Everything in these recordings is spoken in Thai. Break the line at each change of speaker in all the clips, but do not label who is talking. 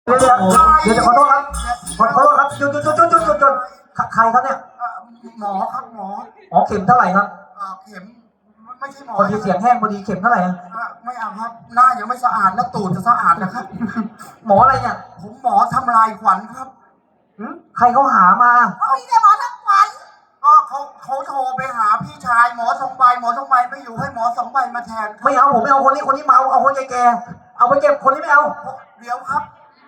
เดี๋ยวขอโทษครับขอโทษครับหยุดใครครับเนี่ย
หมอครับหมอ
อ๋อเข็มเท่าไหร่ครับ
เข็มไม่ใช่หมอ
พอดีเสียงแห้งพอดีเข็มเท่าไหร่
ไม่เอาครับหน้ายังไม่สะอาดแล้วตูดจะสะอาดนะครับ
หมออะไรเนี่ย
ผมหมอทำลายขวัญครับ
ใครเขาหามา
ไม่ใช่หมอทำขวัญก็เขาโทรไปหาพี่ชายหมอ2 ใบไม่อยู่ให้หมอ2 ใบมาแทน
ไม่เอาผมไม่เอาคนนี้เมาเอาคนแก่เอาไปเก็บคนนี้ไม่เอา
เดี๋ยวครับ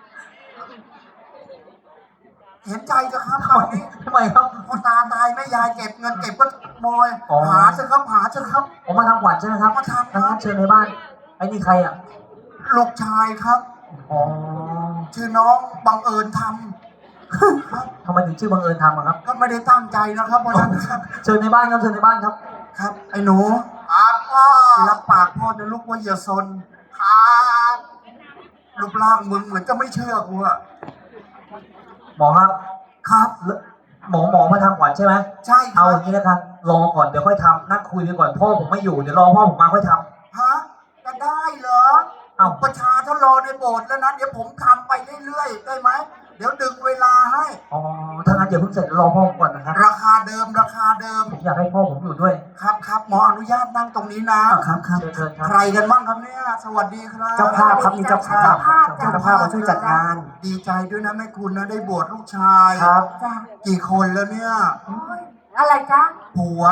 เห็นใจจะครับตอนนี้
ทำไมครับ
พ่อตาตายแม่ยายเก็บเงินเก็บก็โมยหาเถอะครับ
ผมมาทำขวัญใช่ไหมครับ
มาทำ
งั้นเชิญในบ้านไอ้นี่ใครอ่ะ
ลูกชายครับ
อ๋อ
ชื่อน้องบังเอิญท
ำทำไมถึงชื่อบังเอิญทำครับ
ก็ไม่ได้ตั้งใจนะครับวันนั้นครับ
เชิญในบ้านครับ
ครับไอ้หนูพ่อรับปากพ่อนะลูกว่าอย่าซนครับรูปร่างมึงเหมือนจะไม่เชื่อกูอะ
หมอครับหมอมาทำขวัญใช่ไหม
ใช่
เอาอย่างนี้นะครับรอก่อนเดี๋ยวค่อยทำนั่งคุยไปก่อนพ่อผมไม่อยู่เดี๋ยวรอพ่อผมมาค่อยท
ำฮะจะได้เหรอ
เอา
ประชาชนรอในโบสถ์แล้วนะเดี๋ยวผมทำไปเรื่อยๆได้ไหมเดี๋ยวดึงเวลาให้
อ๋อถ้างั้นเดี๋ยวเพิ่งเสร็จรอพ่อผมก่อนนะครับ
ราคาเดิม
ผมอยากให้พ่อผมอยู่ด้วย
ครับหมออนุญาตนั่งตรงนี้นะครับ
เชิญครับ
ใครกันบ้างครับเนี่ยสวัสดีครับ
เจ้าภาพครับมีเจ้าภาพมาช่วยจัดงาน
ดีใจด้วยนะแม่คุณนะได้บวชลูกชาย
ครับ
กี่คนแล้วเนี่ย
อะไรจ๊ะ
ผัว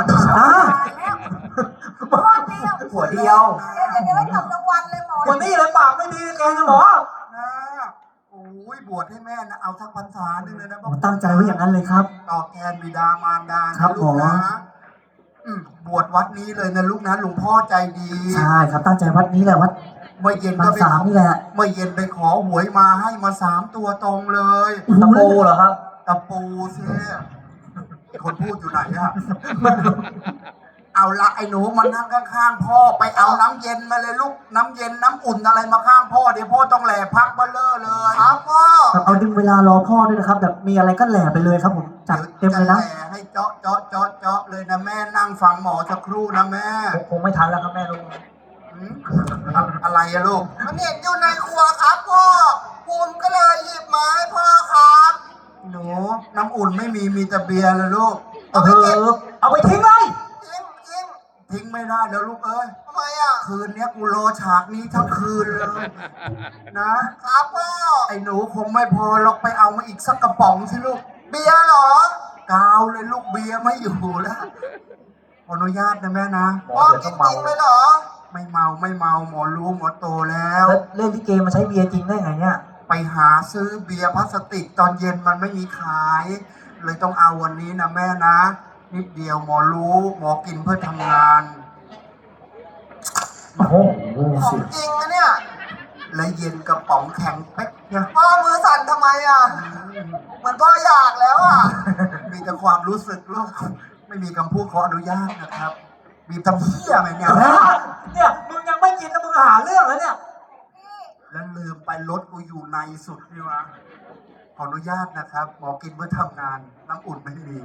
หัวเดียว
เดี๋ยวไม่ทำรางวัลเลยหมอ
วันนี้เลยปากไม่ดีแกนะหมอ
โอ้ยบวชให้แม่นะเอาสักพรรษาหนึ่งเลยนะ
ผมตั้งใจไว้อย่างนั้นเลยครับ
ตอบแทนบิดามารดาครับลูกนะบวชวัดนี้เลยนะลูกนะหลวงพ่อใจดี
ใช่ครับตั้งใจวัดนี้แหละวัด
เมื่อเย็นก็ไป
ขอนี่แหละ
เมื่อเย็นไปขอหวยมาให้มา3 ตัวตรงเลย
ตะปูเหรอครับ
ตะปูเซ่คนพูดอยู่ไหนอะเอาละไอ้หนูมานั่งข้างๆพ่อไปเอาน้ำเย็นมาเลยลูกน้ำเย็นน้ำอุ่นอะไรมาข้างพ่อเดี๋ยวพ่อต้องแหล่พักเบลเลอร์เลยครับพ่อ
เอาดึงเวลารอพ่อด้วยนะครับแบบมีอะไรก็แหล่ไปเลยครับผมจัดเต็มเลยนะ
แหล่ให้เจาะเลยนะแม่นั่งฟังหมอสักครู่นะแม่
คงไม่ทันแล้วครับแม่ลูก
อะไรอะลูกมันเห็นอยู่ในครัวครับพ่อภูมิก็เลยหยิบมาให้พ่อครับหนูน้ำอุ่นไม่มีแต่เบียร์เลยลูก
เอาไปทิ้งเลย
ทิ้งไม่ได้แล้วลูกเอ้ยทำไมอ่ะคืนนี้กูรอฉากนี้ทั้งคืนเลยนะครับพ่อไอ้หนูคงไม่พอหรอกไปเอามาอีกสักกระป๋องสิลูกเบียร์เหรอกาวเลยลูกเบียร์ไม่อยู่แล้วขออนุญาตนะแม่นะ
พ่อกินจริง
เลยเหรอไม่เมาหมอรู้หมอโตแล้ว
เล่นลิเกมาใช้เบียร์จริงได้ไงเนี่ย
ไปหาซื้อเบียร์พลาสติกตอนเย็นมันไม่มีขายเลยต้องเอาวันนี้นะแม่นะนิดเดียวหมอรู้หมอกินเพื่อทำงาน
โอ้โห
ของจริงนะเนี่ยและเย็นกระป๋องแข็งเป๊กเนี่ยพ่อมือสั่นทำไมอ่ะมันพ่ออยากแล้วอ่ะมีแต่ความรู้สึกลูกไม่มีคำพูดขออนุญาตนะครับมีทำเหี้ยอะไรเนี่ย
มึงยังไม่กินแล้วมึงหาเรื่องแล้วเนี่ย
แล้วลืมไปรถกูอยู่ในสุดนี่วะขออนุญาตนะครับหมอกินเพื่อทำงานน้ำอุ่นไม่มี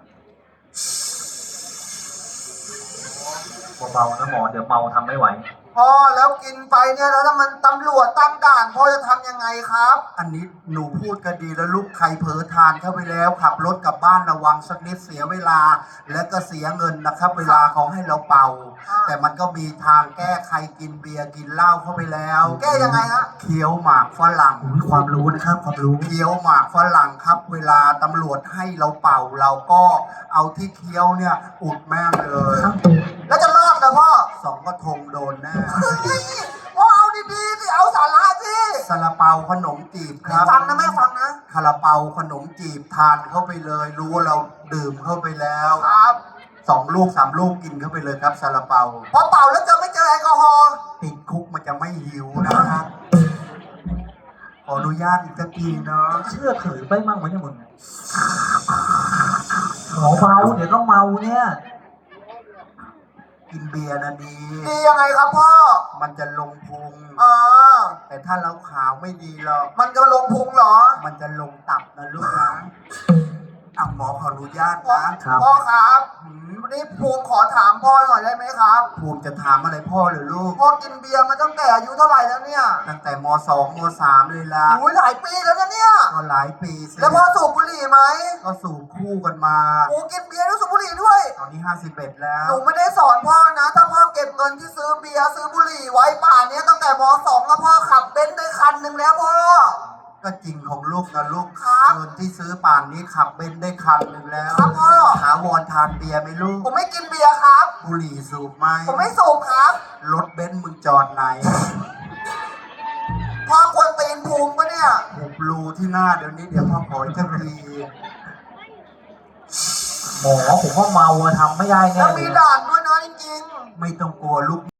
เบาๆนะหมอเดี๋ยวเมาทำไม่ไหว
พ่อแล้วกินไปเนี่ยแล้วถ้ามันตำรวจตั้งด่านพ่อจะทำยังไงครับอันนี้หนูพูดก็ดีแล้วลูกใครเผลอทานเข้าไปแล้วขับรถกลับบ้านระวังสักนิดเสียเวลาและก็เสียเงินนะครับเวลาเขาให้เราเป่าแต่มันก็มีทางแก้ใครกินเบียร์กินเหล้าเข้าไปแล้วแก้ยังไงฮะเคี้ยวหมากฝรั่ง
ความรู้นะครับความรู้
เคี้ยวหมากฝรั่งครับเวลาตำรวจให้เราเป่าเราก็เอาที่เคี้ยวเนี่ยอุดแม่งเลยแล้วจะรอดนะพ่อ2 กระทงโดนแน่พ่อเอาดีๆสิเอาสาระสิซาลาเปาขนมจีบครับฟังนะแม่ฟังนะซาลาเปาขนมจีบทานเข้าไปเลยรู้ว่าเราดื่มเข้าไปแล้วครับ2 ลูก 3 ลูกกินเข้าไปเลยครับซาลาเปาพอเป่าแล้วจะไม่เจอแอลกอฮอล์ติดคุกมันจะไม่หิวนะครับขออนุญาตอีกทีเนาะ
เชื่อถือไปมั่งไหมเนี่ยมึงหมอเมาเดี๋ยวก็เมาเนี่ย
กินเบียร์นะดียังไงครับพ่อมันจะลงพุงแต่ถ้าเราขาวไม่ดีหรอกมันจะลงพุงเหรอมันจะลงตับนะลูกนะหมอขออนุญาตนะพ่อครับวันนี้ภูมิขอถามพ่อหน่อยได้ไหมครับภูมิจะถามอะไรพ่อหรือลูกพ่อกินเบียร์มาตั้งแต่อายุเท่าไหร่แล้วเนี่ยตั้งแต่ม.2 ม.3 เลยล่ะโอ้ยหลายปีแล้วนะเนี่ยก็หลายปีสิแล้วพ่อสูบบุหรี่ไหมก็สูบคู่กันมาโอ้กินเบียร์แล้วสูบบุหรี่ด้วยตอนนี้51แล้วหนูไม่ได้สอนพ่อนะถ้าพ่อเก็บเงินที่ซื้อเบียร์ซื้อบุหรี่ไว้ป่านนี้ตั้งแต่ม.2 แล้วพ่อขับเบนซ์ได้คันหนึ่งแล้วพ่อก็จริงของลูกนะลูกเงินที่ซื้อป่านนี้ขับเบนซ์ได้คันหนึ่งแล้วครับพ่อถาวรทานเบียร์ไหมลูกผมไม่กินเบียร์ครับบุหรี่สูบไหมผมไม่สูบครับรถเบนซ์มึงจอดไหนพ่อควรตีนภูมิปะเนี่ยหุบรูที่หน้าเดี๋ยวนี้เดี๋ยวพ่อขออีกที
หมอผมว่าเมาอะทำไม่ได้แน่
แล้ว
เล
มี
ย
ด่านด้วยนะจริงๆไม่ต้องกลัวลูก